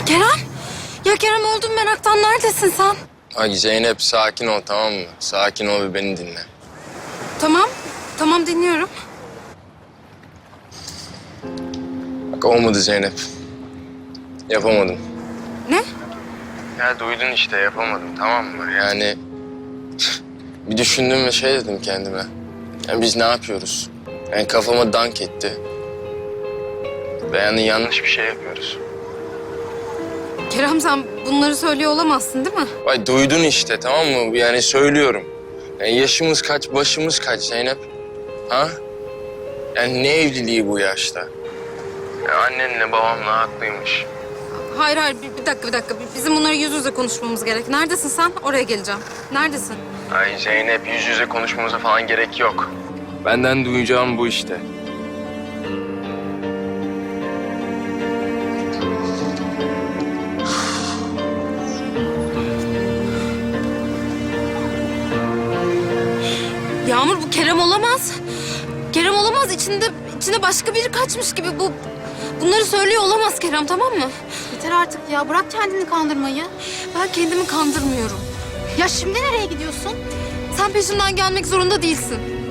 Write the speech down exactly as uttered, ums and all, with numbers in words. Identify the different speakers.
Speaker 1: Kerem! Ya Kerem öldüm meraktan. Neredesin sen?
Speaker 2: Ay Zeynep sakin ol, tamam mı? Sakin ol ve beni dinle.
Speaker 1: Tamam. Tamam dinliyorum.
Speaker 2: Bak olmadı Zeynep. Yapamadım.
Speaker 1: Ne?
Speaker 2: Ya duydun işte, yapamadım, tamam mı? Yani bir düşündüm ve şey dedim kendime. Yani biz ne yapıyoruz? Yani kafama dank etti. Ve yani yanlış bir şey yapıyoruz.
Speaker 1: Kerem sen bunları söylüyor olamazsın değil mi?
Speaker 2: Ay duydun işte, tamam mı? Yani söylüyorum. Yani yaşımız kaç, başımız kaç Zeynep? Ha? Yani ne evliliği bu yaşta? Ya annenle babamla haklıymış.
Speaker 1: Hayır hayır bir, bir dakika bir dakika. Bizim bunları yüz yüze konuşmamız gerek. Neredesin sen? Oraya geleceğim. Neredesin?
Speaker 2: Ay Zeynep, yüz yüze konuşmamıza falan gerek yok. Benden duyacağım bu işte.
Speaker 1: Yağmur bu Kerem olamaz. Kerem olamaz. İçinde içinde başka biri kaçmış gibi bu. Bunları söylüyor olamaz Kerem, tamam mı?
Speaker 3: Yeter artık ya. Bırak kendini kandırmayı.
Speaker 1: Ben kendimi kandırmıyorum.
Speaker 3: Ya şimdi nereye gidiyorsun?
Speaker 1: Sen peşimden gelmek zorunda değilsin.